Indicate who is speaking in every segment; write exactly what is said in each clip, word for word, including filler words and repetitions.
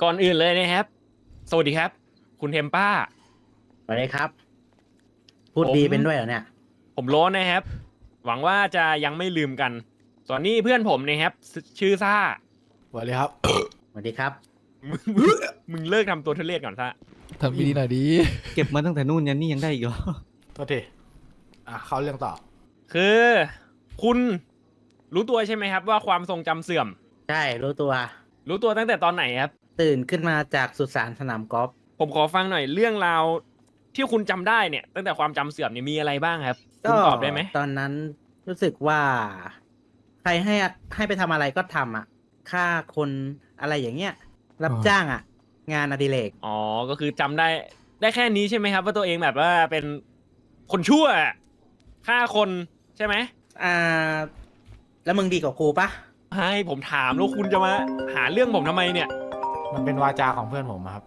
Speaker 1: ก่อนอื่นเลยนะครับสวัสดีครับคุณเทมป้า
Speaker 2: สวัสดีครับ พูด
Speaker 1: ผม
Speaker 2: ดีเป็นด้วยเหรอเนี่ย
Speaker 1: ผมโล้นนะครับ หวังว่าจะยังไม่ลืมกัน ส่วนนี้เพื่อนผมนะครับซชื่อซ่า
Speaker 3: สวัสดีครับ
Speaker 2: สวัสดีครับ
Speaker 1: มึงมึงมึงเลิกทำตัวทุเรศก่อนซ่า
Speaker 4: ทำดีๆหน่อยดี
Speaker 5: เก็บมาตั้งแต่นู่นยันนี่ยังได้อีกเหรอ
Speaker 3: โทษทีอ่ะเข้าเรื่องต่อ
Speaker 1: คือคุณรู้ตัวใช่ไหมครับว่าความทรงจำเสื่อม
Speaker 2: ใช่รู้ตัว
Speaker 1: รู้ตัวตั้งแต่ตอนไหนครับ
Speaker 2: ตื่นขึ้นมาจากสุสานสนามกอล์ฟ
Speaker 1: ผมขอฟังหน่อยเรื่องราวที่คุณจำได้เนี่ย ตั้งแต่ความจำเสื่อมเนี่ยมีอะไรบ้างครับคุณตอบได้ไหม
Speaker 2: ตอนนั้นรู้สึกว่า ใครให้ให้ไปทำอะไรก็ทำอ่ะฆ่าคนอะไรอย่างเงี้ย รับ
Speaker 4: อ๋อ
Speaker 2: จ้างอ่ะ งานอดิเรก
Speaker 1: อ๋อ ก็คือจำได้ได้แค่นี้ใช่ไหมครับ ว่าตัวเองแบบว่าเป็นคนชั่วฆ่าคนใช่ไหม
Speaker 2: อ่า แล้วมึงดีกว่ากูปะ
Speaker 1: ให้ผมถามแล้วคุณจะมาหาเรื่องผมทำไมเนี่ย
Speaker 3: มันเป็นวาจาของเพื่อนผมอะครับ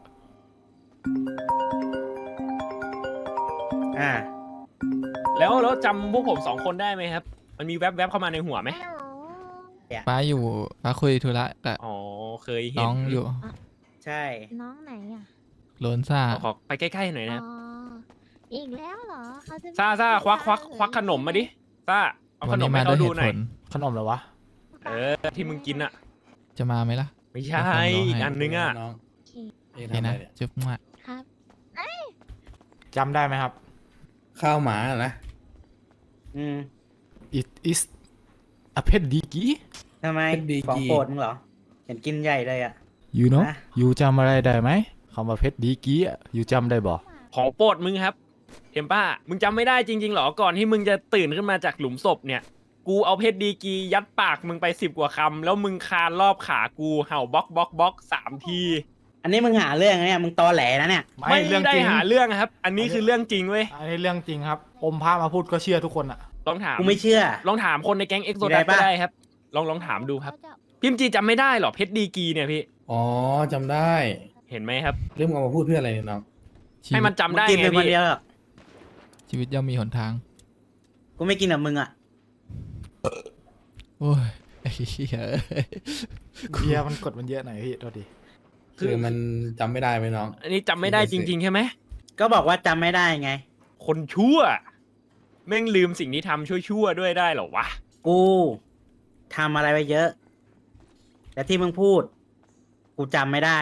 Speaker 2: อ่า
Speaker 1: แล้วแล้วจำพวกผมสองคนได้ไหมครับ มันมีแวบๆเข้ามาในหัวไหม
Speaker 4: ป้าอยู่ป้าคุยธุระกับ
Speaker 1: อ๋อเคยเห็น
Speaker 4: น้องอยู่
Speaker 2: ใช่
Speaker 6: น้องไหนอ่ะ
Speaker 4: โลนซ่า
Speaker 1: ขอขอไปใกล้ๆหน่อยนะครับ
Speaker 6: อ๋อ อีกแล้วเหรอเขาจะ
Speaker 1: ซ่าซ่าควักควักควักขนมมาดิซ่าเอา
Speaker 4: วั
Speaker 1: ข
Speaker 4: น
Speaker 1: น
Speaker 4: นี้
Speaker 1: ม
Speaker 4: มา
Speaker 1: ให้
Speaker 4: ด้ว
Speaker 1: เขา
Speaker 4: ยเห
Speaker 1: ดู
Speaker 4: ตุ
Speaker 1: หน่
Speaker 4: ผ
Speaker 1: อย
Speaker 4: ล
Speaker 3: ขนมเหรอวะ
Speaker 1: เออที่มึงกินอะ
Speaker 4: จะมาไหมล่ะ
Speaker 1: ไม่ใช่
Speaker 4: เดี๋ยวผมลองให้
Speaker 1: อีกอันนึงอะ
Speaker 7: น้อง
Speaker 6: โอเค
Speaker 7: เอ๊ะ
Speaker 4: เห็น
Speaker 7: ทำอะไร
Speaker 4: นะ
Speaker 7: เนี่ย
Speaker 4: จุ๊บมา
Speaker 6: ครับ
Speaker 3: จำได้ไหมครับ
Speaker 7: ข้าวหมาเหรอนะ
Speaker 2: อืม
Speaker 3: it is a pet digi
Speaker 2: ทำไม
Speaker 7: เป็นดี
Speaker 2: ของ
Speaker 7: กี
Speaker 2: โปรดมึงเหรอ เห็นกินใหญ่เลยอ่ะ
Speaker 3: you know
Speaker 2: ฮะ
Speaker 3: you จำอะไรได้ไหมคำว่า pet digi อ่ะ you จำได้บ่
Speaker 1: ของโปรดมึงครับเทมป้า มึงจำไม่ได้จริงๆหรอ ก่อนที่มึงจะตื่นขึ้นมาจากหลุมศพเนี่ย กูเอาเพชรดีกรียัดปากมึงไปสิบกว่าคำแล้วมึงคานรอบขากูเห่าบล็อกบล็อกบล็อกสามที
Speaker 2: อันนี้มึงหาเรื่องนะเนี่ย มึงตอแหลนะเนี่ย
Speaker 1: ไม่
Speaker 3: เรื่อง
Speaker 1: ได้
Speaker 3: จริง
Speaker 1: หาเรื่องครับ อันนี้คือเรื่องจริงเว้ย
Speaker 3: อันนี้เรื่องจริงครับ อมพระมาพูดก็เชื่อทุกคนอ่ะ
Speaker 1: ลองถาม
Speaker 2: กูไม่เชื่อ
Speaker 1: ลองถามคนในแก๊งเอ็กโซ
Speaker 2: มี
Speaker 1: ดั
Speaker 2: อะไร
Speaker 1: สก็
Speaker 2: ปะ
Speaker 1: ได้ครับ ลองลองถามดูครับ
Speaker 6: เขาจะ
Speaker 1: พิมพ์จีจำไม่ได้หรอเพชรดีกรีเนี่ยพี่
Speaker 7: อ๋อจำได้
Speaker 1: เห็นไหมครับ
Speaker 7: เรื่องเอามาพูดเพื่ออะไรเนี่ยน้อง
Speaker 4: ชี
Speaker 1: ให้
Speaker 4: วิ
Speaker 1: มัน
Speaker 4: ต
Speaker 1: จำได้
Speaker 2: มึงกิน
Speaker 1: ไง
Speaker 2: เป็นคน
Speaker 1: พี่
Speaker 2: เดียวหรอก
Speaker 4: ชีวิตย่อมมีหนทาง
Speaker 2: กูไม่กินกับมึงอ่ะ
Speaker 4: โอ้ยไอ้เหี้ย
Speaker 3: เบียร์มันกดมันเยอะหน่อยพี่โทษที
Speaker 1: คือ
Speaker 7: คือมันจำไม่ได้ไหมน้อง
Speaker 1: อันนี้จำไม่ได้จริง ๆ ใช่ไหม
Speaker 2: ก็บอกว่าจำไม่ได้ไง
Speaker 1: คนชั่วแม่งลืมสิ่งที่ทำชั่วๆด้วยได้เหรอวะ
Speaker 2: กูทำอะไรไปเยอะ แต่ที่มึงพูด กูจำไม่ได้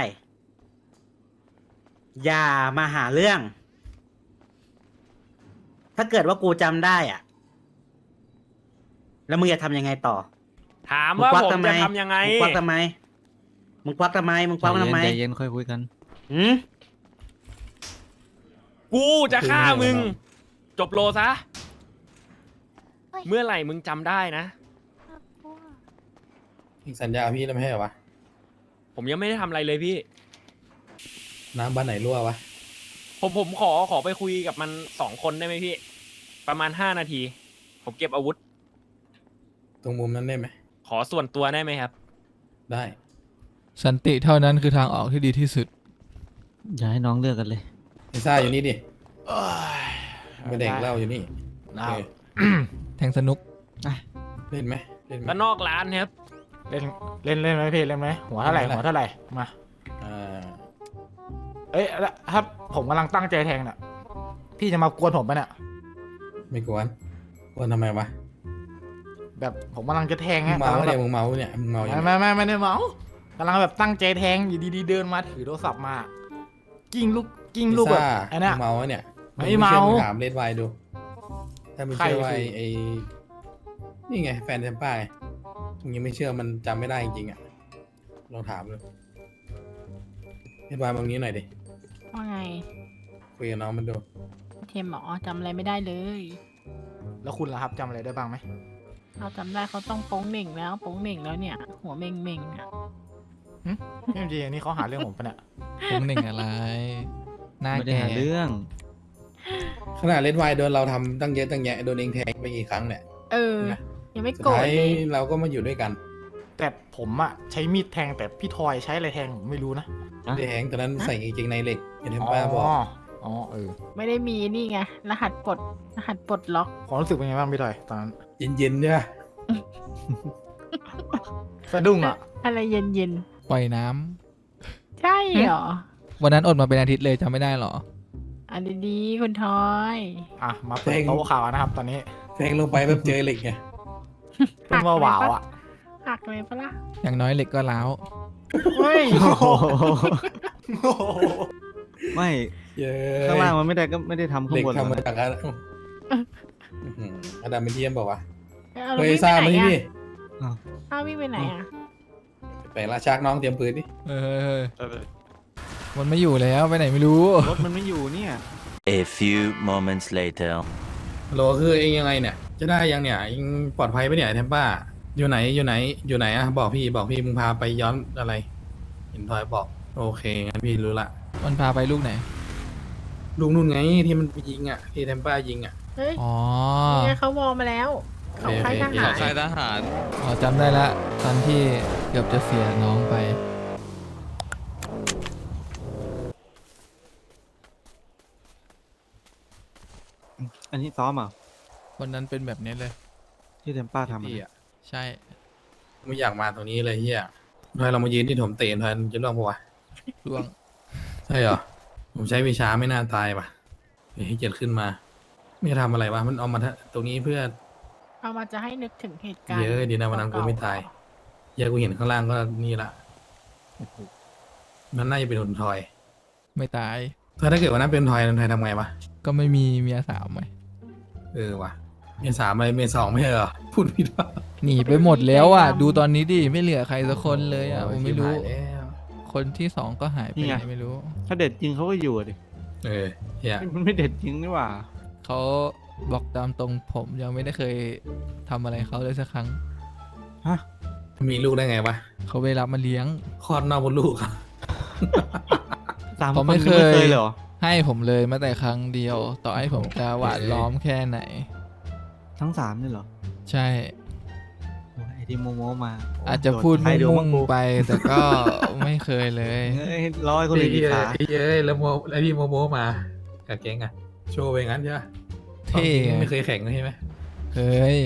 Speaker 2: อย่ามาหาเรื่อง ถ้าเกิดว่ากูจำได้อ่ะ แล้วมึงจะทำยังไงต่อ
Speaker 1: ถาม
Speaker 2: มึง
Speaker 1: ว่า
Speaker 2: ควัก
Speaker 1: ผม
Speaker 2: ทำไม
Speaker 1: จะทำยังไง
Speaker 2: มึงควักทำไม มึงควักทำไม มึงควักทำไม
Speaker 5: ใจเย็นใจเย็นค่อยคุยกัน
Speaker 2: หืม
Speaker 1: กูจะฆ่ามึง
Speaker 7: คือไงวะ
Speaker 1: จบโลซะ
Speaker 6: เฮ้ย
Speaker 1: เมื่อไหร่มึงจำได้นะ
Speaker 6: น่ากลัว
Speaker 7: อีกสัญญาพี่แล้วไม่ใช่เหรอวะ
Speaker 1: ผมยังไม่ได้ทำอะไรเลยพี่
Speaker 7: น้ำบ้านไหนรั่ววะ
Speaker 1: ผมผมขอขอไปคุยกับมันสองคนได้ไหมพี่ ประมาณห้านาที ผมเก็บอาวุธ
Speaker 7: ตรงมุมนั้นได้ไหม
Speaker 1: ขอส่วนตัวได้ไหมครับ
Speaker 7: ได้
Speaker 4: สันติเท่านั้นคือทางออกที่ดีที่สุด
Speaker 5: อย่าให้น้องเลือกกันเลย
Speaker 7: ไอ้ซ่าอยู่นี่ดิ
Speaker 3: เอ้ย
Speaker 7: ไม่เด็กเหล่าอยู่นี่
Speaker 3: ได้
Speaker 7: เออ
Speaker 4: แทงสนุก
Speaker 7: เล่นไหมเล่นไหม
Speaker 1: แล้วนอกร้านครับ
Speaker 3: เล่นเล่นเล่นไหมพี่เล่นไหมหัวเท่าไหร่
Speaker 7: เล่นไหม
Speaker 3: หัวเท่าไหร่มา
Speaker 7: อ่า
Speaker 3: เอ้ยแล้วถ้าผมกำลังตั้งใจแทงน่ะพี่จะมากวนผมปะเนี่ย
Speaker 7: ไม่กวนกวนทำไมวะ
Speaker 3: แบบผมกำลังจะแทง
Speaker 7: มึ
Speaker 3: ฮะ
Speaker 7: งเมา
Speaker 3: ำลังแบ
Speaker 7: เนี่ย
Speaker 3: บ
Speaker 7: มึงเมาเนี่ยมึงเมาอย่าง
Speaker 3: ไม่
Speaker 7: เงี้ย
Speaker 3: ไม่ไม่ไม่ได้เมากำลังแบบตั้งใจแทงอยู่ดีๆเดินมาถือโทรศัพท์มา กิ้งลูกกิ้งลูกแบบ
Speaker 7: ไอ้
Speaker 3: ไอ้
Speaker 7: ซ่า
Speaker 3: เนี่ย
Speaker 7: มึงเมาเนี่ย
Speaker 3: ไม่เมา
Speaker 7: งถามเลดไวดู ถ้าไม่เชื่อ
Speaker 3: ใคร
Speaker 7: ว่า
Speaker 3: คือ
Speaker 7: ไอ้นี่ไงแฟนเทมป้าไงมึงยังไม่เชื่อมันจำไม่ได้จริงๆอ่ะลองถามดูเลดไวตรงนี้หน่อยดิ
Speaker 8: ว่าไง
Speaker 7: คุยกับน้องมันดู
Speaker 8: เทมหมอจำอะไรไม่ได้เลย
Speaker 3: แล้วคุณล่ะครับจำอะไรได้บ้างไหม
Speaker 8: เราจำได้เขาต้องโป้งเหน่งแล้วโป้งเหน่งแล้วเนี่ย หัวเม่งเม่งอ่ะ
Speaker 3: นี่จริงๆอันนี้เขาหาเรื่องผมปะเนี่ย
Speaker 4: คงหนึ่งอะไร หน้า
Speaker 5: ไม่ได้
Speaker 4: แก่
Speaker 5: หาเรื่อง
Speaker 7: ขนาดเลดไวโดนเราทำตั้งเยอะตั้งแยะโดนเองแทงไปกี่ครั้งเนี่ย
Speaker 8: เออ
Speaker 7: นะ
Speaker 8: ยังไม่
Speaker 7: สุด
Speaker 8: โกรธ
Speaker 7: ท้าย
Speaker 8: เลย
Speaker 7: เราก็มาอยู่ด้วยกัน
Speaker 3: แต่ผมอะใช้มีดแทงแต่พี่ทอยใช้อะไรแทงผมไม่รู้นะ
Speaker 5: ฮะ
Speaker 7: แทงตอนนั้นใส่กางเกงในเหล็กเห็นเทมป้าบอก
Speaker 3: อ๋อเออ
Speaker 8: ไม่ได้มีนี่ไง รหัสปลด รหัสปลดล็อก
Speaker 3: ความรู้สึกเป็นไงบ้างพี่ทอยตอนนั้น
Speaker 7: เย็นๆเนี่ย
Speaker 3: สะดุ้งอะ
Speaker 8: อะไรเย็นเย็น
Speaker 4: ปล่อยน้ำ
Speaker 8: ๆใจใช่เหรอ
Speaker 4: วันนั้นอดมาเป็นอาทิตย์เลยจำไม่ได้เหรอ
Speaker 8: อันดีๆคุณทอย
Speaker 3: อ่ะมาเปิดโต๊ะข่าวนะครับ ตอนนี้
Speaker 7: แทงลงไปแบบเจอเหล็กไง
Speaker 3: เป็นว่าหวาวอ่ะ
Speaker 8: หักเลยปะล่ะ
Speaker 4: อย่างน้อยเหล็กก็ล้าว
Speaker 8: เฮ้ย
Speaker 2: โอ้โห
Speaker 5: ไม่
Speaker 7: เย้
Speaker 5: ข้างล่างมันไม่ได้ก็ไม่ได้ทำข้า
Speaker 7: เหล็
Speaker 5: ง
Speaker 7: ก
Speaker 5: บนหรอก
Speaker 7: ทำมา
Speaker 5: นะ
Speaker 7: จากอะไรอื้อหืออดัมเป็นเทียมบอกว่า
Speaker 8: เอา
Speaker 7: เฮ้ย
Speaker 8: วิ่ง
Speaker 7: ซ่า
Speaker 8: ไป
Speaker 7: มา
Speaker 8: ไหน
Speaker 7: ที่
Speaker 8: อะ
Speaker 7: นี่
Speaker 8: อ้าววิ่งไปไหนอะ
Speaker 7: ไปละชักน้องเตรียมปืนดิ
Speaker 4: เออมันไม่อยู่แล้วไปไหนไม่รู้
Speaker 5: รถมันไม่อยู่เนี่ย
Speaker 9: A few moments later.
Speaker 7: ฮัลโหลคือเองยังไงเนี่ย จะได้ยังเนี่ยเองปลอดภัยปะเนี่ยไอ้เทมป้า อยู่ไหนอยู่ไหนอยู่ไหนอะบอกพี่บอกพี่มึงพาไปย้อนอะไรเห็นทอยบอก โอเคงั้นพี่รู้ละ
Speaker 4: มันพาไปลูกไหน
Speaker 7: ลุงนุ่นไงที่มันไปยิงอ่ะที่เทมป้ายิงอ่ะ
Speaker 8: เฮ้ย
Speaker 4: อ๋อ
Speaker 8: นี่ไงเขาวอลมาแล้วเขาค่ายทหาร
Speaker 7: ใครทหาร
Speaker 4: อ๋อจำได้ละตอนที่เกือบจะเสียน้องไป
Speaker 5: อันนี้ซ้อมอ่ะ
Speaker 4: วันนั้นเป็นแบบนี้เลย
Speaker 5: ที่เทมป้าทำ
Speaker 7: พี่
Speaker 5: อะ
Speaker 7: อ่ะ
Speaker 4: ใช่
Speaker 7: ไม่อยากมาตรงนี้เลยเฮียทอยเรามายืนที่ถมเตนทอยจะร่วงปะวะ
Speaker 4: ร่วง
Speaker 7: ใช่เหรอ ผมใช้วิชาไม่น่าตายป่ะเฮ้ยให้เกียรติขึ้นมา ไม่ทำอะไรวะ มันเอามาทะตรงนี้เพื่อ
Speaker 8: เอามาจะให้นึกถึงเหตุการณ์
Speaker 7: เยอะดีนะวันนั้นกูไม่ตายเหี้ยอะกูเห็นข้างล่างก็นี่ละมันน่าจะเป็นหุ่นทอย
Speaker 4: ไม่ตาย
Speaker 7: ถ้าถ้าเกิดวันนั้นเป็นทอยทอยทำไงวะ
Speaker 4: ก็ไม่มีเมียสาวไหม
Speaker 7: เออว่ะเมษสามอะไรเมษสองไม่ใช่เหรอ พูดผิดป่ะ
Speaker 4: หนีไปหมดแล้วอ่ะ ดูตอนนี้ดิไม่เหลือใครสักคนเลยอ่ะผมไม่รู้
Speaker 7: ชิบหายแล้ว
Speaker 4: คนที่สองก็หายไปไหนไม่รู้
Speaker 5: ถ้าเด็ดจริงเขาก็อยู่อะดิ
Speaker 7: เออเฮีย
Speaker 5: มันไม่เด็ดจริงนี่หว่า
Speaker 4: เขาบอกตามตรงผมยังไม่ได้เคยทำอะไรเขาเลยสักครั้ง
Speaker 5: ฮะ
Speaker 7: มีลูกได้ไงวะ
Speaker 4: เขาไปรับมาเลี้ยง
Speaker 7: คลอดนอกมดลูกอะ
Speaker 5: สาม
Speaker 4: ผม
Speaker 5: คน
Speaker 4: ไม่
Speaker 5: ยัง
Speaker 4: เคย
Speaker 5: ไม่เคยเลยเหรอ
Speaker 4: ให้ผมเลยแม้แต่ครั้งเดียว ต่อให้ผมจะหวานล้อมแค่ไหน
Speaker 5: ทั้งสามนี่เหรอ
Speaker 4: ใช่
Speaker 5: โอ้ยไอ้ที่โมโมมา
Speaker 4: อาจจะพูด
Speaker 5: ใครดู
Speaker 4: มุ่
Speaker 5: บ้าง
Speaker 4: ง
Speaker 5: กู
Speaker 4: ๆไป แต่ก็ไม่เคยเลย
Speaker 5: เอ้ยร้อยคนเลยดีขา
Speaker 7: ไอ้เย้ยแล้วโมไอ้พี่โมโมมากับแก๊งอะโชว์ไปงั้นใช่ไหม
Speaker 4: เท่
Speaker 7: ความจริงไม่เคยแข่งเลยใช่ไหม
Speaker 4: เฮ้ย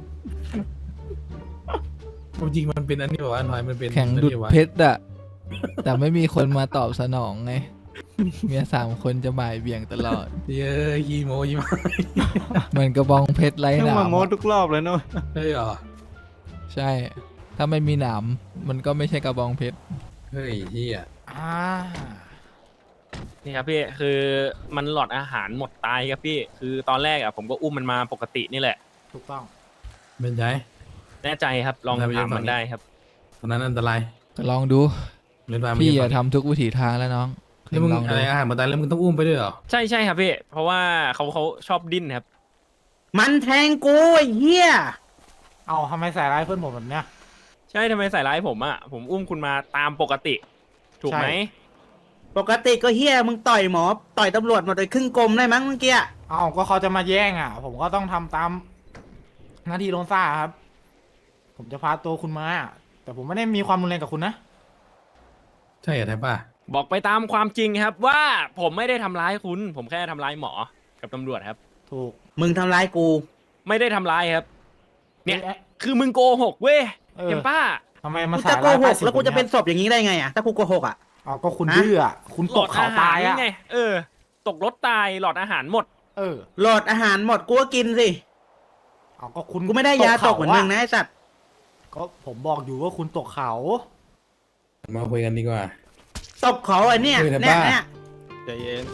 Speaker 7: ความจริงมันเป็นอันนี้บอกว่าทอยมันเป็น
Speaker 4: แข่งดุด
Speaker 7: อันนี้วะ
Speaker 4: เพชรอะแต่ไม่มีคนมาตอบสนองไง เมียสามคนจะบ่ายเบี่ยงตลอด
Speaker 7: เย้ยยีโมยีมา
Speaker 4: เหมือนกระบองเพชรไร้
Speaker 5: ต้อง
Speaker 4: หนาม
Speaker 5: มาโม
Speaker 4: อะ
Speaker 5: ทุกรอบเลยเนอะ
Speaker 7: เฮ้ยเหรอ
Speaker 4: ใช่ ถ้าไม่มีหนาม มันก็ไม่ใช่กระบองเพชร
Speaker 7: เฮ้ยเฮีย
Speaker 3: อ่า
Speaker 1: นี่ครับพี่คือมันหลอดอาหารหมดตายครับพี่ คือตอนแรกอ่ะผมก็อุ้มมันมาปกตินี่แหละ
Speaker 3: ถูกต้อง
Speaker 7: เป็นไง
Speaker 1: แน่ใจครับลอง
Speaker 7: ได้ไป
Speaker 1: ถาม
Speaker 7: ยังฝั่
Speaker 1: มั
Speaker 7: ง
Speaker 1: น
Speaker 7: นี้
Speaker 1: ได้ครับ
Speaker 7: ตอนนั้นอันตราย
Speaker 4: ก็ลองดู
Speaker 7: เล่นบาร์
Speaker 4: พี่
Speaker 7: อะ
Speaker 4: อะทำทุกวิถีทางแล้วน้อง
Speaker 7: แล้วมึง
Speaker 4: ลอง
Speaker 7: อะ
Speaker 4: ดู
Speaker 7: ไรอาหารมาตายแล้วมึงต้องอุ้มไปด้วยเหรอ
Speaker 1: ใช่ใช่ครับพี่ เพราะว่าเขาเขาชอบดิ้นครับ
Speaker 2: มันแทงกูไอ้เหี้ย
Speaker 3: เอาทำไมใส่ร้ายเพื่อนผมแบบเนี้ย
Speaker 1: ใช่ทำไมใส่ร้ายผมอ่ะผมอุ้มคุณมาตามปกติ ถูกไหม
Speaker 3: ใช่
Speaker 2: ปกติก็เหี้ยมึงต่อยหมอ ต่อยตำรวจหมดเลยครึ่งกลมได้มั้งเมื่อกี้อะ
Speaker 3: เอาก็เขาจะมาแย่งอ่ะ ผมก็ต้องทำตามหน้าที่โดนซ่าครับ ผมจะพาตัวคุณมา แต่ผมไม่ได้มีความรุนแรงกับคุณนะ
Speaker 7: ใช่เหรอแทบป่ะ
Speaker 1: บอกไปตามความจริงครับ ว่าผมไม่ได้ทำร้ายคุณ ผมแค่ทำร้ายหมอกับตำรวจครับ
Speaker 3: ถูก
Speaker 2: มึงทำร้ายกู
Speaker 1: ไม่ได้ทำร้ายครับ เนี่ย
Speaker 3: อ๊ะ
Speaker 1: คือมึงโกหกเว้ย
Speaker 3: เออ
Speaker 1: เห็นป้า
Speaker 3: ทำไมมา
Speaker 2: กู
Speaker 3: ใส่
Speaker 2: จะโก
Speaker 3: ร้าย
Speaker 2: ห
Speaker 3: ป้าก สิ
Speaker 2: แล้วกูจะ
Speaker 3: ค
Speaker 2: เป็น
Speaker 3: ย
Speaker 2: ศพอย่างนี้ได้ไงอ่ะ ถ้ากูโกหกอ่ะ
Speaker 3: เอาก็คุณ
Speaker 2: ฮะ
Speaker 3: ดื้ออ่ะคุณ
Speaker 1: หล
Speaker 3: ต
Speaker 1: อก ด
Speaker 3: เขา
Speaker 1: อาหา
Speaker 3: ตาร ย
Speaker 1: นี่
Speaker 3: อ่ะ
Speaker 1: ไง เออ ตกรถตายหลอดอาหารหมด
Speaker 3: เออ
Speaker 2: โหลดอาหารหมดกูก็กินสิ
Speaker 3: เอาก็คุณ
Speaker 2: กูไม่ได้ยาตกเหมือนมึงนะ
Speaker 3: ะ
Speaker 2: ไอ้สัตว์
Speaker 3: ก็ผมบอกอยู่ว่าคุณตกเขา
Speaker 7: มาคุยกันดีกว่า
Speaker 2: ตบเขาไอ้เนี่ย
Speaker 7: เออแต่
Speaker 2: เนี่ย
Speaker 7: บ้า
Speaker 2: เนี่ย
Speaker 5: ใจเย็น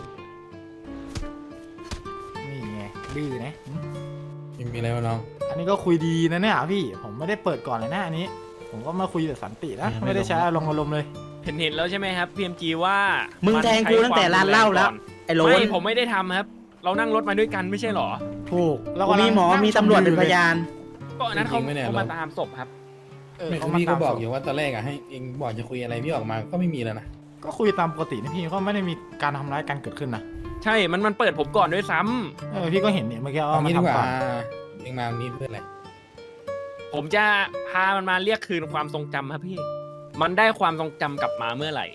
Speaker 3: นี่ไงดื้อนะหึ
Speaker 7: ยังมีอะไรวะน้อง
Speaker 3: อันนี้ก็คุยดีนะเนี่ยพี่ ผมไม่ได้เปิดก่อนเลยนะอันนี้ ผมก็มาคุยแบบสันตินะ ไม่ได้ใช้อารมณ์อารมณ์เลย
Speaker 1: เห็นเห็นแล้วใช่ไหมครับพีเอ็มจีว่า
Speaker 2: มึ
Speaker 1: มึ
Speaker 2: งแทงกูตั้งแต่ร้านเหล้าแล้ว ไอ้โหล
Speaker 1: ไม่
Speaker 2: น
Speaker 1: ผมไม่ได้ทำครับ เรานั่งรถมาด้วยกันไม่ใช่หรอ
Speaker 3: ถูกแล้ว
Speaker 2: กู
Speaker 3: กำลั
Speaker 2: มี
Speaker 3: ง
Speaker 2: หมอ
Speaker 3: นั่ง
Speaker 2: มีตำรวจเป็นพยาน
Speaker 1: ก็อันนั้นเขา
Speaker 7: จริงๆไม่แน่
Speaker 1: เขา
Speaker 7: หร
Speaker 1: มา
Speaker 7: อก
Speaker 1: ตามศพครับ
Speaker 3: เออ
Speaker 7: ไม่
Speaker 3: เขา
Speaker 7: คือ
Speaker 3: มา
Speaker 7: พี่ก็
Speaker 3: ตาม
Speaker 7: บอก
Speaker 3: ศพ
Speaker 7: อยู่ว่าตอนแรกอะให้เองบอกจะคุยอะไรพี่ออกมาก็ไม่มีแล้วนะ
Speaker 3: ก็คุยตามปกตินะพี่ก็ไม่ได้มีการทำร้ายกันเกิดขึ้นนะ
Speaker 1: ใช่ มันมันเปิดผมก่อนด้วยซ้ำ
Speaker 3: เออพี่ก็เห็นเนี่ยเมื่อกี้
Speaker 7: เอา
Speaker 3: ว่ามัน
Speaker 7: งี้ดีก
Speaker 3: ทำ
Speaker 7: ว่า
Speaker 3: ก่อน
Speaker 7: เองมาวันนี้เพื่ออะไร
Speaker 1: ผมจะพามันมาเรียกคืนความทรงจำครับพี่ มันได้ความทรงจำกลับมาเมื่อไหร่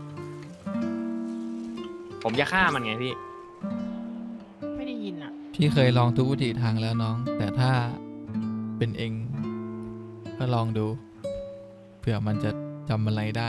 Speaker 1: ผมจะฆ่ามันไงพี่
Speaker 8: ไม่ได้ยินอ่ะ
Speaker 4: พี่เคยลองทุกวิถีทางแล้วน้อง แต่ถ้าเป็นเอง ก็ลองดู เผื่อมันจะจำอะไรได้
Speaker 1: เพ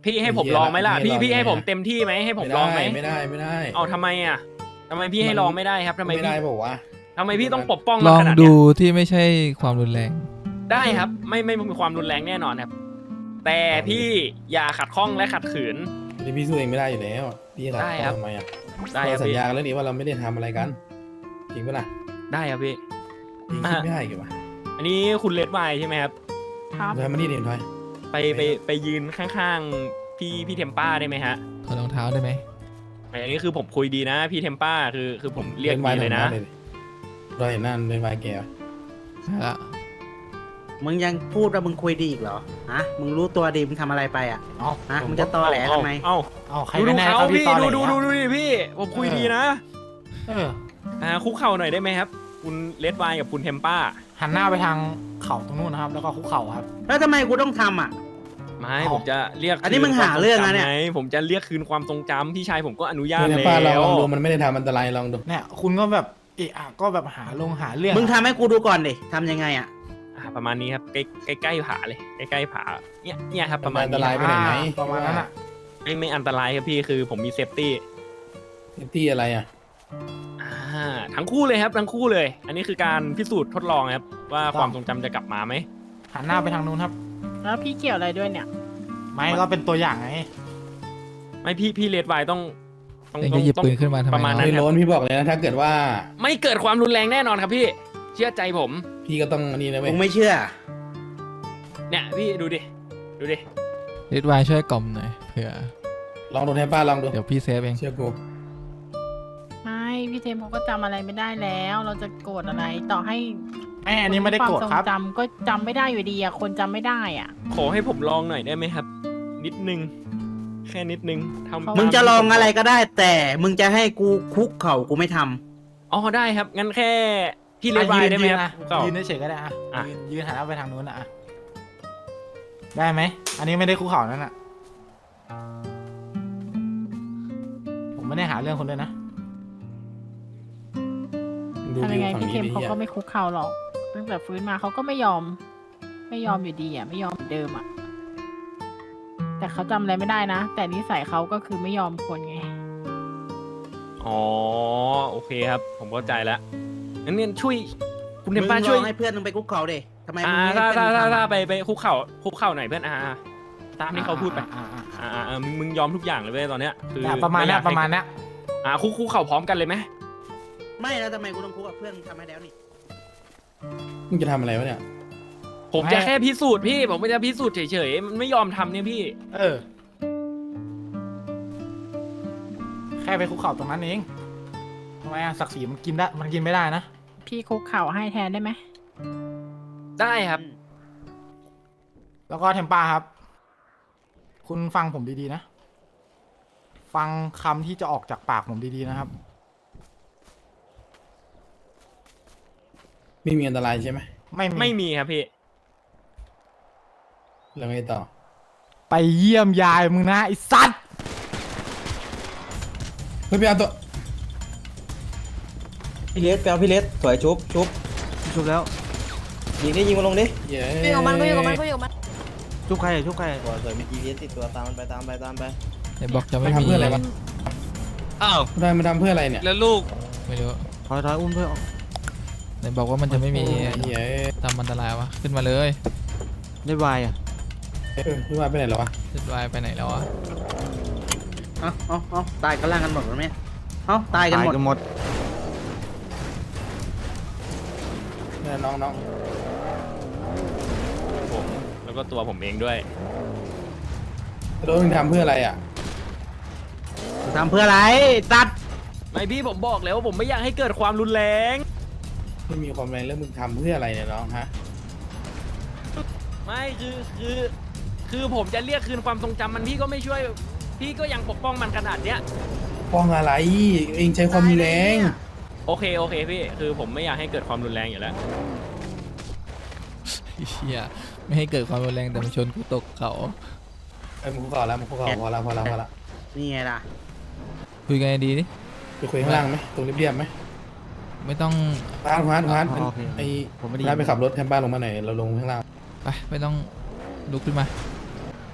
Speaker 1: พี่ให้ผมลองไหมล่ะพี่พี่ให้ผมเต็มที่ไหมให้ผมลองไหม
Speaker 7: ไม่ได้ไม่ได้
Speaker 1: เอาทำไมอ่ะทำไมพี่ให้ลองไม่ได้ครับทำไม
Speaker 7: ไม่
Speaker 1: พี่
Speaker 7: ได้บอกว่า
Speaker 1: ทำไมพี่ต้องปกป้อง
Speaker 4: ล
Speaker 1: เรา
Speaker 4: อง
Speaker 1: ขนาด
Speaker 4: ดู
Speaker 1: เนี้ย
Speaker 4: ที่ไม่ใช่ความรุนแรง
Speaker 1: ได้ครับไม่ไม่มีความรุนแรงแน่นอนครับ แต่พี่อย่าขัดข้องและขัดขืน
Speaker 7: ที่พี่สู้เองไม่ได้อยู่แล้วพี่จะ
Speaker 1: ได้ครับ
Speaker 7: ทำไมอ่ะ
Speaker 1: ได้ค
Speaker 7: เรา
Speaker 1: รับ
Speaker 7: สัญ
Speaker 1: พี่
Speaker 7: ญากันแล้วนี่ว่าเราไม่ได้ทำอะไรกันจริงปะล่ะ
Speaker 1: ได้ครับพี่
Speaker 7: พี่คิดไม่ได้กี่วะ
Speaker 1: อันนี้คุณเลดไวน์ใช่ไหมครับ
Speaker 8: ครับ
Speaker 7: ทำมานี่เด่นทอย
Speaker 1: ไปไปไปยืนข้างๆพี่พี่เทมป้าได้ไหมฮะ
Speaker 4: ถอดรองเท้าได้ไหม
Speaker 1: อันนี้คือผมคุยดีนะพี่เทมป้าคือคือผมเรียก
Speaker 7: นไว
Speaker 1: ดีเลยนะ
Speaker 7: เราเห็นหน้าเล่นไวแกวะ
Speaker 4: ใช่ละ
Speaker 2: มึงยังพูดว่ามึงคุยดีอีกเหรอฮะมึงรู้ตัวดีมึงทำอะไรไปอ่ะ
Speaker 3: เอา
Speaker 2: ฮะมึงจะตอแหลทำไม
Speaker 1: เอ้า
Speaker 3: เอาใคร
Speaker 1: ดู
Speaker 3: กั
Speaker 1: ดู
Speaker 3: นแน่
Speaker 1: เขา
Speaker 3: ครับพี่
Speaker 1: พี่
Speaker 3: ตอนไห
Speaker 1: ดู
Speaker 3: น
Speaker 1: ดูดู
Speaker 3: อะ
Speaker 1: ดูดิพี่ผมคุยดีนะ
Speaker 3: เออ
Speaker 1: อ่าคุกเข่าหน่อยได้ไหมครับ คุณเลดไวน์กับคุณเทมป้า
Speaker 3: หันหน้าไปทางเข่าตรงนู้นนะครับ แล้วก็คุกเข่าครับ
Speaker 2: แล้วทำไมกูต้องทำอ่ะ
Speaker 1: ไม่
Speaker 3: เอา
Speaker 1: ผมจะเรียก
Speaker 2: อันนี้มึงหาเรื่องนะเนี่ย
Speaker 1: คืความทจำไผมจะเรียกคืนความทรงจำพี่ชายผมก็อนุญาต
Speaker 7: เดี๋ยว
Speaker 1: แล้
Speaker 7: ป้าลองล
Speaker 1: ว
Speaker 7: องดูมันไม่ได้ทำอันตรายลองดู
Speaker 3: เนี่ยคุณก็แบบเอะอะก็แบบหาลงหาเรื่อง
Speaker 2: มึงทำให้กูดูก่อนดิทำยังไงอ่ะ
Speaker 1: อ่าประมาณนี้ครับใกล้ใกล้ใกล้ผาเลยใกล้ใกล้ผาเนี่ยเนี่ยครับประมาณ
Speaker 7: อันต
Speaker 1: นี้
Speaker 7: ราย
Speaker 1: ค
Speaker 7: ไป
Speaker 1: รับ
Speaker 7: ไหนไหม
Speaker 3: อ่าประมาณนั้นอ่ะ
Speaker 1: ไม่ไม่อันตรายครับพี่คือผมมีเซฟตี้
Speaker 7: ที่อะไรอ่ะ
Speaker 1: อ่าทั้งคู่เลยครับทั้งคู่เลย อันนี้คือการพิสูจน์ทดลองครับว่าความทรงจำจะกลับมาไหม
Speaker 3: หันหน้าไปทางนู้นครับ
Speaker 8: แล้วพี่เกี่ยวอะไรด้วยเนี่ย
Speaker 3: ไม่ก็เป็นตัวอย่างไง
Speaker 1: ไม่พี่พี่เลดไวน์ต้องต้อง
Speaker 4: เอง
Speaker 1: ต้
Speaker 4: จะ
Speaker 1: อง
Speaker 4: หยิบ
Speaker 1: ต้อง
Speaker 4: ปืนขึ้นมาทำไม
Speaker 1: ประมาณ
Speaker 4: เน
Speaker 1: นั้
Speaker 4: อะ
Speaker 1: น
Speaker 7: ไม่ล้นพี่บอกเลยนะถ้าเกิดว่า
Speaker 1: ไม่เกิดความรุนแรงแน่นอนครับพี่เชื่อใจผม
Speaker 7: พี่ก็ต้องอันนี้นะเว้
Speaker 2: มึ
Speaker 7: ย
Speaker 2: งไม่เชื่อ
Speaker 1: เนี่ยพี่ดูดิดูดิ
Speaker 4: เรดไวน์ช่วยกล่อมหน่อยเผื่อ
Speaker 7: ลองดูให้ป้าลองดู
Speaker 4: เดี๋ยวพี่เซฟเอง
Speaker 7: เชื่อกู
Speaker 8: ไม่พี่เทมเขาก็จำอะไรไม่ได้แล้ว เราจะโกรธอะไรต่อให้
Speaker 3: ไม่อันนี้ไม่ได้โกรธครับ
Speaker 8: วามทงจำก็จำไม่ได้อยู่ดีอะคนจำไม่ได้อ่ะ
Speaker 1: ขอให้ผมลองหน่อยได้ไหมครับ นิดนึงแค่นิดนึงทำ
Speaker 8: เขา
Speaker 2: มึงจะลองอะไรก็ได้ แต่มึงจะให้กูคุกเข่ากูไม่ทำ
Speaker 1: อ๋อได้ครับงั้นแค่พี่เลดไว
Speaker 3: อ่ะ
Speaker 1: น์ได้ไหมครับ
Speaker 3: ยืน
Speaker 1: ก็
Speaker 3: ยืนเฉยๆก็ได้อะ
Speaker 1: อ่ะ
Speaker 3: ยืนยืนหันหน้าไปทางนู้นนะอะได้ไหมอันนี้ไม่ได้คุกเข่านั่นอ่ะ ผมไม่ได้หาเรื่องคนเลยนะ
Speaker 7: ดู
Speaker 8: ทำ
Speaker 7: วิ
Speaker 8: ยัง
Speaker 7: ว
Speaker 8: ไง
Speaker 7: ฝั่ง
Speaker 8: พี่เท
Speaker 7: นี้
Speaker 8: ม
Speaker 7: ดิ
Speaker 8: เขา
Speaker 7: เหี้ย
Speaker 8: ก็ไม่คุกเข่าหรอกตั้งแต่ฟื้นมาเขาก็ไม่ยอม ไม่ยอมอยู่ดีอ่ะไม่ยอมเหมือนเดิมอ่ะแต่เขาจำอะไรไม่ได้นะ แต่นิสัยเขาก็คือไม่ยอมคนไง
Speaker 1: อ๋อโอเคครับ ผมเข้าใจแล้วงั้นเนี่ยช่วยคุณเท
Speaker 2: มึ
Speaker 1: ม
Speaker 2: ง
Speaker 1: ป้า
Speaker 2: ล
Speaker 1: ช่วย
Speaker 2: องให้เพื่อนมึงไปคุกเข่าดิทำไม
Speaker 1: อ่า
Speaker 2: มึงไม่
Speaker 1: ถ้า
Speaker 2: ให้
Speaker 1: ถ้า
Speaker 2: เพื่อนมึ
Speaker 1: ถ้าง ถ้า
Speaker 2: ทำ
Speaker 1: ไปไปคุกเข่าคุกเข่าหน่อยเพื่อนอ่าตามที่เขาพูดไป
Speaker 3: อ่ะอ่ะอ่ะ
Speaker 1: อ่าอ่าอ่ามึงมึงยอมทุกอย่างเลยเว้ยตอนเนี้ยคือ
Speaker 3: เนี่ยประมาณเนี้ย
Speaker 1: ไอยกให้
Speaker 3: ประมาณเนี้ย
Speaker 1: อ่าคุกคุกเข่าพร้อมกันเลยไหม
Speaker 2: ไม่แล้วทำไมกูต้องคุกกับเพื่อนมึงทำให้แล้วนี่
Speaker 7: มึงจะทำอะไรวะเนี่ย
Speaker 1: ผมจะแค่พิสูจน์พี่ ผมไม่จะพิสูจน์เฉยๆมันไม่ยอมทำเนี่ยพี่
Speaker 3: เออ แค่ไปคุกเข่าตรงนั้นเองทำไมอะศักดิ์ศรีมันกินได้มันกินไม่ได้นะ
Speaker 8: พี่คุกเข่าให้แทนได้ไหม
Speaker 1: ได้ครับ
Speaker 3: แล้วก็เทมป้าครับ คุณฟังผมดีๆนะ ฟังคำที่จะออกจากปากผมดีๆนะครับ
Speaker 7: ไม่มีอันตรายใช่ไหม
Speaker 3: ไม่มี
Speaker 1: ไม่มีครับพี่
Speaker 7: แล้วไงต่อ
Speaker 3: ไปเยี่ยมยายมึงนะไอ้สัตว์
Speaker 7: เฮ้ยไปเอาตัว
Speaker 5: พี่เลสแปลพี่เลสสวยชุบชุบชุบแล้ว ยิงได้ยิงมาลงดิ
Speaker 7: เย้
Speaker 6: กูอยู่กับมันกูอยู่กับมันกูอยู่กับมัน
Speaker 5: ชุบใครอ่ะชุบใครสวยสวยมี จี พี เอส ติดตัวตามมันไปตามไปตามไป
Speaker 4: ไอ้บอกจะ
Speaker 7: มั
Speaker 4: ไม่
Speaker 7: นทำ
Speaker 4: มี
Speaker 7: เพื่ออะไรวะ
Speaker 10: อ้าว
Speaker 7: ได้มันทำเพื่ออะไรเนี่ย
Speaker 10: แล้วลูก
Speaker 4: ไม่รู้
Speaker 5: ถอยถอยอุ้มเพื่อน
Speaker 4: ไหนบอกว่ามันจะไม่มี
Speaker 7: เย้
Speaker 4: ทำอันตรายวะขึ้นมาเลย
Speaker 5: ได้วายอ่ะ
Speaker 7: เออพี่ว่าไปไหนแล้ววะ
Speaker 4: เรดไวน์ไปไหนแล้วอะ
Speaker 2: เอ้าเอ้าเอ้าตายกันล่างกันหมดหรือไม่เอ้าตายกันหมด
Speaker 5: หมด
Speaker 7: เนี่ยน้องน้อง
Speaker 1: ผมแล้วก็ตัวผมเองด้วย
Speaker 7: แล้วมึงทำเพื่ออะไรอ่ะ
Speaker 2: มึงทำเพื่ออะไรตัด
Speaker 1: ไม่พี่ผมบอกแล้วว่าผมไม่อยากให้เกิดความรุนแรง
Speaker 7: ไม่มีความแรงแล้วมึงทำเพื่ออะไรเนี่ยน้องฮะ
Speaker 1: ไม่คือคือ คือผมจะเรียกคืนความทรงจำมันพี่ก็ไม่ช่วย พี่ก็ยังปกป้องมันขนาดเนี้ย
Speaker 7: ป้องอะไร เองใช้ความรุนแรง
Speaker 1: โอเคโอเคพี่คือผมไม่อยากให้เกิดความรุนแรงอยู่แล้ว
Speaker 4: เฮียไม่ให้เกิดความรุนแรงแต่มาชนกูตกเขา
Speaker 7: ไอ้ยมึงคุกเข่าแล้วมึงคุกเข่าพอแล้วพอแล้วพอแล้ว
Speaker 2: นี่ไงล่ะ
Speaker 4: คุยกันดีดิ
Speaker 7: ไปคุยข้างล่างไหมตรงเรียบๆไหม
Speaker 4: ไม่ต้อง
Speaker 7: พานพานพาน
Speaker 5: โอเค
Speaker 7: ไอ้
Speaker 5: ผมไม่ได้
Speaker 7: พานไปขับรถแทนบ้านลงมาหน่อยเราลงข้างล่าง
Speaker 4: ไปไม่ต้องลุกขึ้นมา
Speaker 7: พ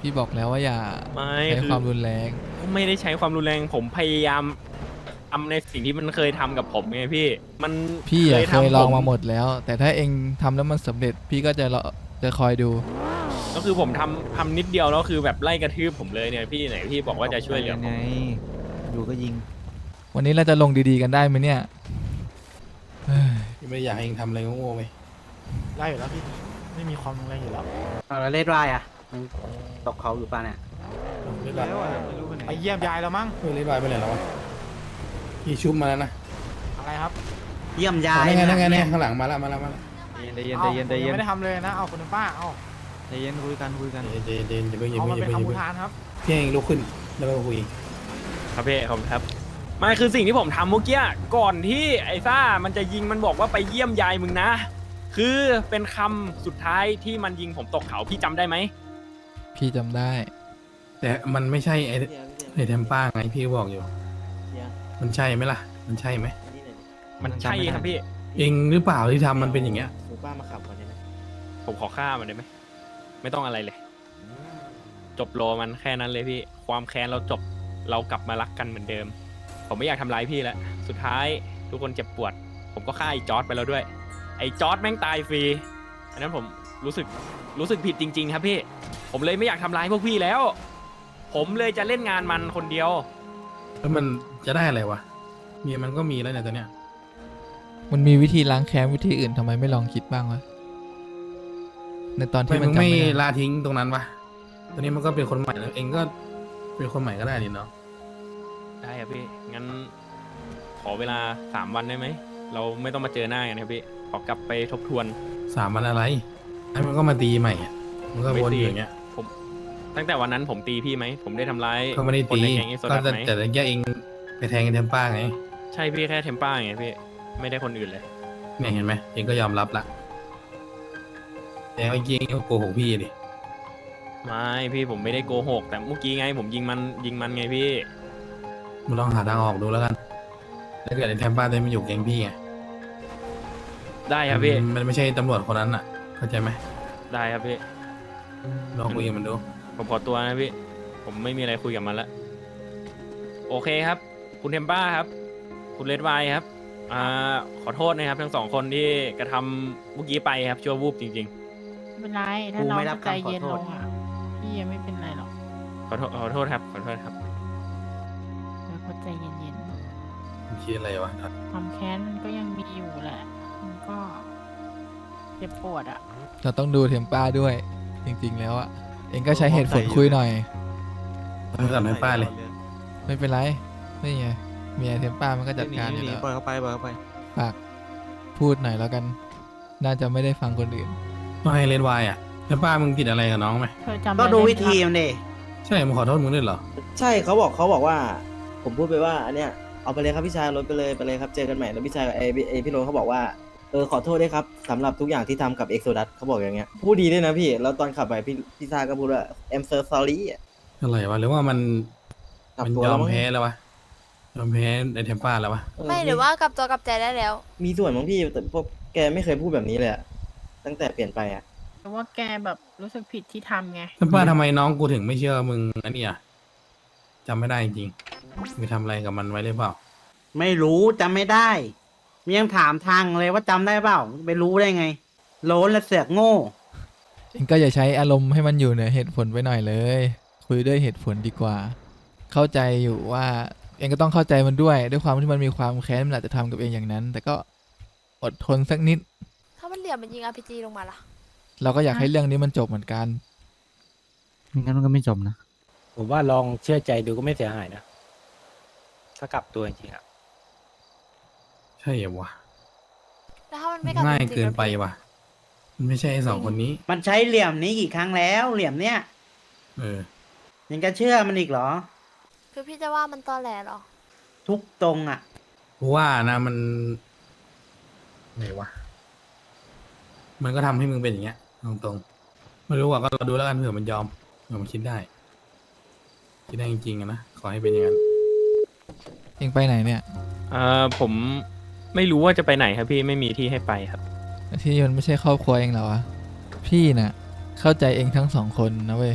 Speaker 4: พี่บอกแล้วว่าอย่า
Speaker 1: ไม่
Speaker 4: ใช้
Speaker 1: คือ
Speaker 4: ความรุนแรง
Speaker 1: ไม่ได้ใช้ความรุนแรงผมพยายามทำในสิ่งที่มันเคยทำกับผมไงพี่ มัน
Speaker 4: พี่อะเค
Speaker 1: ทำ
Speaker 4: ยลอง
Speaker 1: ผ
Speaker 4: มาหมดแล้ว แต่ถ้าเองทำแล้วมันสำเร็จ พี่ก็จะรอจะคอยดู
Speaker 1: ก็คือผมทำทำนิดเดียวแล้วคือแบบไล่กระทืบผมเลยเนี่ยพี่ไหนพี่บอกว่าจะช่วยเหลือผม
Speaker 5: อยู่ก็ยิง
Speaker 4: วันนี้เราจะลงดีๆกันได้ไหมเนี่ยเฮ้ย
Speaker 7: พี่ไม่ได้อยากให้เองทำอะไรโง่ๆไป
Speaker 3: ได้อยู่แล้วพี่ ไม่มีความรุนแรงอยู่แล้ว
Speaker 2: เอาแล้วเลดวายอ่ะมึงตกเขาอยู่ป่ะเนี่ย
Speaker 7: เรียบร้อย
Speaker 3: ไปเยี่ยมยายแล้วมั้ง
Speaker 7: เฮ้ยเรียบร้อยไปไหนแล้ววะพี่ชุบมาแล้วนะ
Speaker 3: อะไรครับ
Speaker 2: เยี่ยมยา
Speaker 7: อ๋อย นั่นไงนั่นไง
Speaker 2: ะ
Speaker 7: เนี่ยข้างหลังมาแล้วมาแล้วมาแล้ว
Speaker 5: ใจเย็น
Speaker 3: อา
Speaker 5: ใจเย็นใจ
Speaker 3: ผม
Speaker 5: เย็
Speaker 3: ยั
Speaker 5: น
Speaker 3: งไม่ได้ทำเลยนะ เอาคุณป้า เอา
Speaker 5: ใจเย็นคุยกันคุยกัน
Speaker 7: เดนเดนอย่าเพิ่งอย่า
Speaker 3: เอา
Speaker 7: เพิ่
Speaker 3: มาง
Speaker 7: อย่า
Speaker 3: เป็น
Speaker 7: เพิ่งอย่า
Speaker 3: คำอุ
Speaker 7: เพิ่ง
Speaker 3: ทานครับ
Speaker 7: พี่เองลุกขึ้นแล้วไปคุย
Speaker 1: ครับพี่ผมครับไม่คือสิ่งที่ผมทำเมื่อกี้ก่อนที่ไอ้ซ่ามันจะยิงมันบอกว่าไปเยี่ยมยายมึงนะ คือเป็นคำสุดท้ายที่มันยิงผมตกเขาพี่จำได้ไหม
Speaker 4: พี่จำได้
Speaker 7: แต่มันไม่ใช่ไอ้ไอ้เทมป้าไงพี่บอกอยู่ มันใช่ไหมล่ะ มันใช่ไหม
Speaker 1: มันใช่ครับพี่
Speaker 7: เองหรือเปล่าที่ทำมันเป็นอย่างเงี้ย
Speaker 5: หมูป้ามาขับก่อนได้ไหม
Speaker 1: ผมขอฆ่ามันได้ไหมไม่ต้องอะไรเลย จบโลมันแค่นั้นเลยพี่ ความแค้นเราจบเรากลับมารักกันเหมือนเดิม ผมไม่อยากทำร้ายพี่แล้วสุดท้ายทุกคนเจ็บปวด ผมก็ฆ่าไอ้จอร์ดไปแล้วด้วย ไอ้จอร์ดแม่งตายฟรีอันนั้นผมรู้สึกรู้สึกผิดจริง ๆ ครับพี่ ผมเลยไม่อยากทำร้ายพวกพี่แล้ว ผมเลยจะเล่นงานมันคนเดียว
Speaker 7: แล้วมันจะได้อะไรวะเมียมันก็มีแล้วเนี่ยตอนเนี้ย
Speaker 4: มันมีวิธีล้างแค้นวิธีอื่นทำไมไม่ลองคิดบ้างวะ ในตอน
Speaker 7: ทำ
Speaker 4: ที่
Speaker 7: ไม
Speaker 4: มั
Speaker 7: มึ
Speaker 4: น
Speaker 7: ง
Speaker 4: จำ
Speaker 7: ไม่
Speaker 4: ไม่ได้
Speaker 7: ละทิ้งตรงนั้นวะตอนนี้มันก็เป็นคนใหม่แล้วเองก็เป็นคนใหม่ก็ได้นี่เนาะ
Speaker 1: ได้ครับพี่ งั้นขอเวลาสามวันได้ไหม เราไม่ต้องมาเจอหน้ากันครับพี่ ขอกลับไปทบทวน
Speaker 7: สามวันอะไรไอ้มันก็มาตีใหม่อะมันก็วนอยู่อย่างเงี้ย
Speaker 1: ผมตั้งแต่วันนั้นผมตีพี่ไหม ผมได้ทำร้าย
Speaker 7: ก็ไม่ได้
Speaker 1: คน
Speaker 7: ตี
Speaker 1: ในแก๊งเอสโซ
Speaker 7: ก็
Speaker 1: ดัส
Speaker 7: แต่
Speaker 1: ไหม
Speaker 7: แต่แกเองไปแทงกันเทมป้าไง
Speaker 1: ใช่พี่แค่เทมป้าไงพี่ ไม่ได้คนอื่นเลย
Speaker 7: เนี่ยเห็นไหมเองก็ยอมรับละแต่เมื่อกี้เองก็โกหกพี่ดิ
Speaker 1: ไม่พี่ผมไม่ได้โกหก แต่เมื่อกี้ไง ผมยิงมันยิงมันไงพี่
Speaker 7: มึงลองหาทางออกดูแล้วกันถ้าเกิดไอ้เทมป้าได้มาอยู่แก๊งพี่ไง
Speaker 1: ได้ครับพี่
Speaker 7: มันมันไม่ใช่ตำรวจคนนั้นอ่ะ เข้าใจไหม
Speaker 1: ได้ครับพี่
Speaker 7: ลองคุยกับมันดู
Speaker 1: ผมขอตัวนะพี่ ผมไม่มีอะไรคุยกับมันละโอเคครับ คุณเทมป้าครับ คุณเลดไวน์ครับ อ่า ขอโทษนะครับ ทั้งสองคนที่กระทำเมื่อกี้ไปครับชั่ววูบจริง
Speaker 8: ไม่เป็นไร ถ้า
Speaker 2: กู
Speaker 8: น้อง
Speaker 2: ไม่รับ
Speaker 8: ใจ
Speaker 2: คำขอ
Speaker 8: เย็น
Speaker 2: โท
Speaker 8: ล
Speaker 2: ษ
Speaker 8: งอ่ะ พี่ยังไม่เป็นไรหรอก
Speaker 1: ๆ ขอโทษขอโทษครับ ขอโทษครับ
Speaker 8: แล้วก็ใจเย็น
Speaker 7: มันคิดอะไรวะ
Speaker 8: ๆความแค้นมันก็ยังมีอยู่แหละ มันก็เจ็บปวดอ่ะ
Speaker 4: เราต้องดูเทมป้าด้วย จริงๆแล้วอะเองก็ใช้เหตุผลคุยหน่อย
Speaker 7: ไม่สั่งให้ป้าเลย
Speaker 4: ไม่เป็นไรนี่ไงเมียเทมป้ามันก็จัดการอยู่แล้ว
Speaker 5: ปล่อยเขาไปปล่อยเขาไป
Speaker 4: ฝากพูดหน่อยแล้วกัน น่าจะไม่ได้ฟังคนอื่น
Speaker 7: ไม่ให้เลนวายอ่ะเทมป้ามึงผิดอะไรกับน้องไหม
Speaker 8: เธอจำ
Speaker 2: ก็
Speaker 8: อะไร
Speaker 2: ดู
Speaker 8: ไไหม
Speaker 2: วิธี
Speaker 8: ล่ะ
Speaker 2: มันดิ
Speaker 7: ใช่มึงขอโทษมึงด้วยเหรอ
Speaker 5: ใช่เขาบอกเขาบอกว่า ผมพูดไปว่าอันเนี้ยเอาไปเลยครับพี่ชายรถไปเลยไปเลยครับเจอกันใหม่แล้วพี่ชายไอไอพี่โรนเขาบอกว่าเออขอโทษด้วยครับสำหรับทุกอย่างที่ทำกับเอ็กโซดัสเขาบอกอย่างเงี้ยพูดดีด้วยนะพี่แล้วตอนขับไปพี่พี่ชายก็พูดว่า I'm so sorry อ่ะ
Speaker 7: อะไรวะหรือว่ามัน
Speaker 5: กลับ
Speaker 7: มัน
Speaker 5: ตัวย
Speaker 7: อ
Speaker 5: แล้ว
Speaker 7: ม
Speaker 5: มั้ง
Speaker 7: แพ้แล้ววะยอมแพ้ไอ้เทมป้าแล้ววะ
Speaker 5: เออ
Speaker 6: ไม่หรือว่ากลับตัวกลับใจได้แล้ว
Speaker 5: มีส่วนมั้งพี่แต่พวกแกไม่เคยพูดแบบนี้เลยอะตั้งแต่เปลี่ยนไปอ่ะ
Speaker 8: แต่ว่าแกแบบรู้สึกผิดที่ทำไง
Speaker 7: เทมป้าทำไมน้องกูถึงไม่เชื่อมึงอันนี้อ่ะจำไม่ได้จริงๆไปทำอะไรกับมันไว้หรือเปล่า
Speaker 2: ไม่รู้จำไม่ได้มียังถามทางเลยว่าจำได้เปล่าไปรู้ได้ไงโล้นและเสือกโง่
Speaker 4: เองก็อย่าใช้อารมณ์ให้มันอยู่เหนือเหตุผลไปหน่อยเลย คุยด้วยเหตุผลดีกว่า เข้าใจอยู่ว่าเองก็ต้องเข้าใจมันด้วย ด้วยความที่มันมีความแค้นมันอาจจะทำกับเองอย่างนั้น แต่ก็อดทนสักนิด
Speaker 6: ถ้ามันเหลี่ยมมันยิง อาร์ พี จี ลงมาล่ะ
Speaker 4: เราก็อยากให้เรื่องนี้มันจบเหมือนกัน
Speaker 5: งั้นมันก็ไม่จบนะ
Speaker 10: ผมว่าลองเชื่อใจดูก็ไม่เสียหายนะ ถ้ากลับตัวจริงๆอะ
Speaker 7: ใช่เหรอวะ
Speaker 6: แล้วถ้ามันไม่กลับ
Speaker 7: ง่าย
Speaker 6: จริงๆ
Speaker 7: เกินไป
Speaker 6: แล้ว
Speaker 7: ว่ะมันไม่ใช่ไอ้สองคนนี้
Speaker 2: มันใช้เหลี่ยมนี้กี่ครั้งแล้ว เหลี่ยมเนี้ย
Speaker 7: เออ
Speaker 2: ยังจะเชื่อมันอีกเหรอ
Speaker 6: คือพี่จะว่ามันตอแหลเหรอ
Speaker 2: ทุกตรงอ่ะ
Speaker 7: กูว่านะมันไหนวะมันก็ทำให้มึงเป็นอย่างเงี้ยตรงๆไม่รู้ว่าก็เราดูแล้วกันเผื่อมันยอมเผื่อมันคิดได้คิดได้จริงๆอะนะขอให้เป็นอย่างนั้น
Speaker 4: เองไปไหนเนี่ย
Speaker 1: เอ่อผมไม่รู้ว่าจะไปไหนครับพี่ไม่มีที่ให้ไปครับ
Speaker 4: ที่มันไม่ใช่ครอบครัวเองเหรอวะ พี่น่ะ เข้าใจเองทั้งสองคนนะเว้ย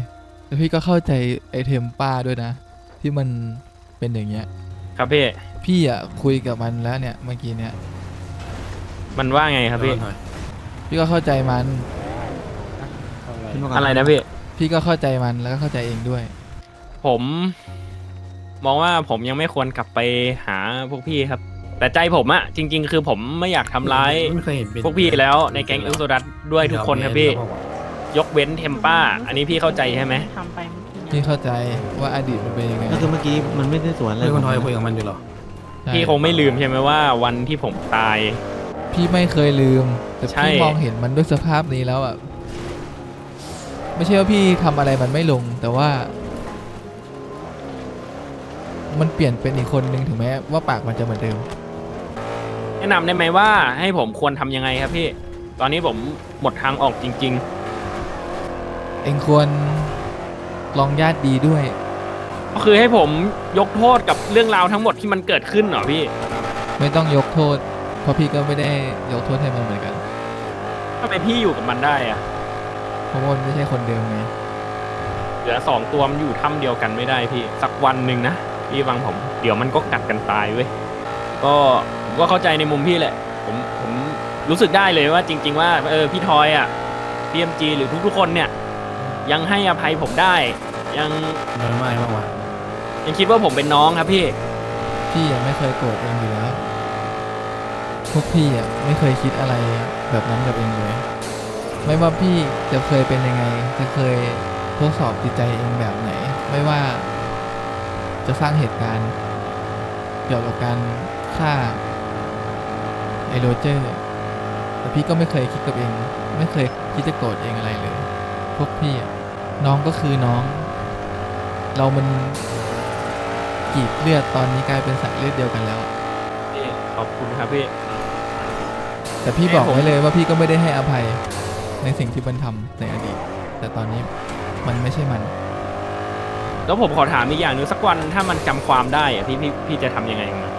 Speaker 4: แล้วพี่ก็เข้าใจไอเทมป้าด้วยนะ ที่มันเป็นอย่างเงี้ย
Speaker 1: ครับพี่
Speaker 4: พี่อ่ะคุยกับมันแล้วเนี่ยเมื่อกี้เนี่ย
Speaker 1: มันว่าไงครับพี่
Speaker 4: พี่ก็เข้าใจมัน
Speaker 1: อะไรนะพี่
Speaker 4: พี่ก็เข้าใจมันแล้วก็เข้าใจเองด้วย
Speaker 1: ผมมองว่าผมยังไม่ควรกลับไปหาพวกพี่ครับ แต่ใจผมอะจริง ๆ คือผมไม่อยากทำร้าย
Speaker 7: ไม่เคยเห็นเป็น
Speaker 1: พวกพี่แล้วในแก๊งเอ็กโซดัสด้วยทุกคนครับพี่ ยกเว้นเทมป้า อันนี้พี่เข้าใจใช่ไหม
Speaker 8: ทำไปเมื่อกี้
Speaker 4: พี่เข้าใจว่าอดีตมันเป็นยังไง
Speaker 5: ก็คือเมื่อกี้มันไม่ได้สวนอะไร
Speaker 7: เรื่องคนทอยคุยกับมันอยู่เหรอ
Speaker 4: ใช่
Speaker 1: พี่คงไม่ลืมใช่ไหมว่าวันที่ผมตาย
Speaker 4: พี่ไม่เคยลืม แต่
Speaker 1: ใช่
Speaker 4: พี่มองเห็นมันด้วยสภาพนี้แล้วอ่ะ ไม่ใช่ว่าพี่ทำอะไรมันไม่ลง แต่ว่า มันเปลี่ยนเป็นอีกคนนึงถึงแม้ว่าปากมันจะเหมือนเดิม
Speaker 1: แนะนำได้ไหมว่าให้ผมควรทำยังไงครับพี่ ตอนนี้ผมหมดทางออกจริง
Speaker 4: เองควรลองญาติดีด้วย
Speaker 1: ๆ ก็คือให้ผมยกโทษกับเรื่องราวทั้งหมดที่มันเกิดขึ้นเหรอพี่
Speaker 4: ไม่ต้องยกโทษ เพราะพี่ก็ไม่ได้ยกโทษให้มันเหมือนกัน
Speaker 1: ทำไมพี่อยู่กับมันได้อะ
Speaker 4: เพราะว่ามันไม่ใช่คนเดิมไง
Speaker 1: เหลือสองตัวมันอยู่ถ้ำเดียวกันไม่ได้พี่ สักวันหนึ่งนะพี่ฟังผม เดี๋ยวมันก็กัดกันตายเว้ย ก็ผมก็เข้าใจในมุมพี่แหละ ผมผมรู้สึกได้เลยว่าจริง ๆ ว่าเออพี่ทอยอ่ะ พี เอ็ม จี หรือทุกๆคนเนี่ย ยังให้อภัยผมได้ ยัง
Speaker 7: มันไม่บ้างวะ
Speaker 1: ยังคิดว่าผมเป็นน้องครับพี่
Speaker 4: พี่ยังไม่เคยโกรธเองอยู่แล้ว พวกพี่อ่ะไม่เคยคิดอะไรแบบนั้นกับเองเลย ไม่ว่าพี่จะเคยเป็นยังไง จะเคยทดสอบจิตใจเองแบบไหน ไม่ว่าจะสร้างเหตุการณ์เกี่ยวกับการฆ่าไอโรเจอร์ แต่พี่ก็ไม่เคยคิดกับเอง ไม่เคยคิดจะโกรธเองอะไรเลย พวกพี่อะน้องก็คือน้อง เรามันกรีดเลือดตอนนี้กลายเป็นสายเลือดเดียวกันแล้ว
Speaker 1: พี่ขอบคุณครับพี่
Speaker 4: แต่พี่บอกไว้เลยว่าพี่ก็ไม่ได้ให้อภัยในสิ่งที่มันทำในอดีต แต่ตอนนี้มันไม่ใช่มัน
Speaker 1: แล้วผมขอถามอีกอย่างหนึงสักวันถ้ามันจำความได้อะพี่พี่พี่จะทำยังไงกับมัน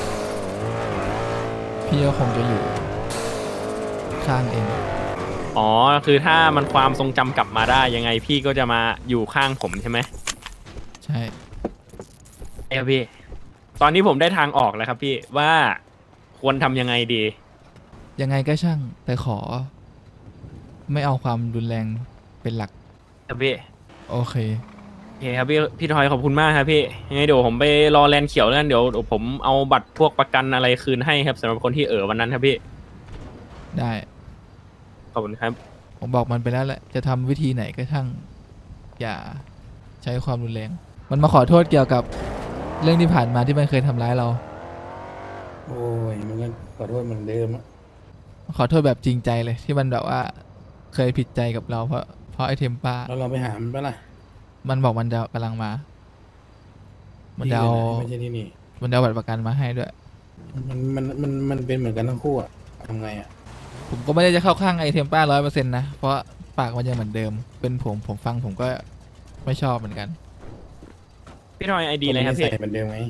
Speaker 4: พี่ก็คงจะอยู่ข้างเอง
Speaker 1: อ๋อ คือถ้ามันความทรงจำกลับมาได้ยังไงพี่ก็จะมาอยู่ข้างผมใช่ไหม
Speaker 4: ใช่
Speaker 1: ใช่ครับพี่ ตอนนี้ผมได้ทางออกแล้วครับพี่ว่าควรทำยังไงดี
Speaker 4: ยังไงก็ช่าง แต่ขอ ไม่เอาความรุนแรงเป็นหลัก
Speaker 1: ครับพี่
Speaker 4: โอเค
Speaker 1: โอเคครับพี่พี่ทอยขอบคุณมากครับพี่ยังไงเดี๋ยวผมไปรอแลนด์เขียวแล้วกันเดี๋ยวเดี๋ยวผมเอาบัตรพวกประกันอะไรคืนให้ครับสำหรับคนที่เออวันนั้นครับพี่
Speaker 4: ได้
Speaker 1: ขอบคุณครับ
Speaker 4: ผมบอกมันไปแล้วแหละ จะทำวิธีไหนก็ช่าง อย่าใช้ความรุนแรง มันมาขอโทษเกี่ยวกับเรื่องที่ผ่านมาที่มันเคยทำร้ายเรา
Speaker 7: โอ้ยมันก็ขอโทษเหมือนเดิมอะ
Speaker 4: ขอโทษแบบจริงใจเลยที่มันแบบว่าเคยผิดใจกับเราเพราะเพราะไอเทมป้า
Speaker 7: แล้วเราไปหามันปะล่ะ
Speaker 4: มันบอกมันจะกำลังมา มันจะ
Speaker 7: ที่
Speaker 4: เอา
Speaker 7: ไหนไม่ใช่ที่นี่
Speaker 4: มันจะเอาบัตรประกันมาให้ด้วย
Speaker 7: มันมันมันมันเป็นเหมือนกันทั้งคู่อะทำไงอะ
Speaker 4: ผมก็ไม่ได้จะเข้าข้างไอเทมป้าร้อยเปอร์เซ็นต์นะ เพราะปากมันยังเหมือนเดิม เป็นผมผมฟังผมก็ไม่ชอบเหมือนกัน
Speaker 1: พี่ทอยไอดีอะไรครับพี่
Speaker 7: ใส่เหมือนเดิมไง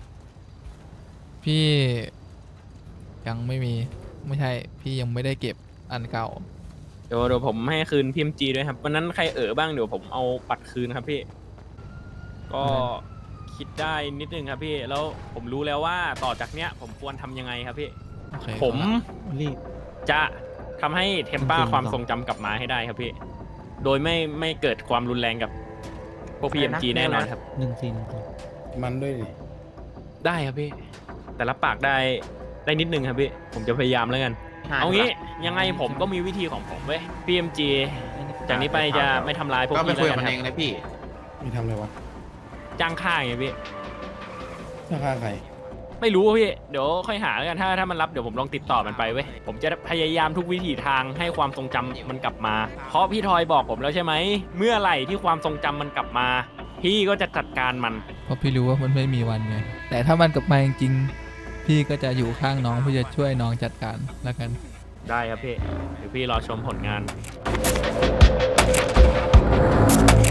Speaker 4: พี่ยังไม่มีไม่ใช่ พี่ยังไม่ได้เก็บอันเก่า
Speaker 1: เดี๋ยวเดี๋ยวผมให้คืนพีเอ็มจีด้วยครับวันนั้นใครเออบ้างเดี๋ยวผมเอาบัตรคืนครับพี่ ก็คิดได้นิดนึงครับพี่ แล้วผมรู้แล้วว่าต่อจากเนี้ย ผมควรทำยังไงครับพี่
Speaker 4: โอเค
Speaker 1: ผม
Speaker 5: รีบ
Speaker 1: จะทำให้เทมป้า
Speaker 5: จริงๆ
Speaker 1: ความทรงจำกลับมาให้ได้ครับพี่ โดยไม่ไม่เกิดความรุนแรงกับพวกพีเอ็มจีแน่นอนครับ
Speaker 5: หนึ่งสี่หนึ่งสี่
Speaker 7: มันด้วยดิ
Speaker 1: ได้ครับพี่ แต่รับปากได้ได้นิดนึงครับพี่ ผมจะพยายามแล้วกัน เอางี้ยังไงผมก็มีวิธีของผมเว้ย พี เอ็ม จี จากนี้ไปจะไม่ทำร้ายพวก
Speaker 11: ก็ไป
Speaker 1: พี่
Speaker 11: คุย
Speaker 1: แล้ว
Speaker 11: กับ
Speaker 1: กั
Speaker 11: มัน น
Speaker 1: ค
Speaker 11: เอ
Speaker 1: รับ
Speaker 11: งนะพี่
Speaker 7: มีทำอะไรวะ
Speaker 1: จ้างค่าไงพี่
Speaker 7: ราคาใคร
Speaker 1: ไม่รู้อะพี่ เดี๋ยวค่อยหาแล้วกันถ้าถ้ามันรับเดี๋ยวผมลองติดต่อมันไปเว้ย ผมจะพยายามทุกวิถีทางให้ความทรงจำมันกลับมา เพราะพี่ทอยบอกผมแล้วใช่ไหม เมื่อไหร่ที่ความทรงจำมันกลับมา พี่ก็จะจัดการมัน
Speaker 4: เพราะพี่รู้ว่ามันไม่มีวันไง แต่ถ้ามันกลับมาจริงๆพี่ก็จะอยู่ข้างน้องเพื่อจะช่วยน้องจัดการแล้วกัน
Speaker 1: ได้ครับพี่ เดี๋ยวพี่รอชมผลงาน
Speaker 4: โ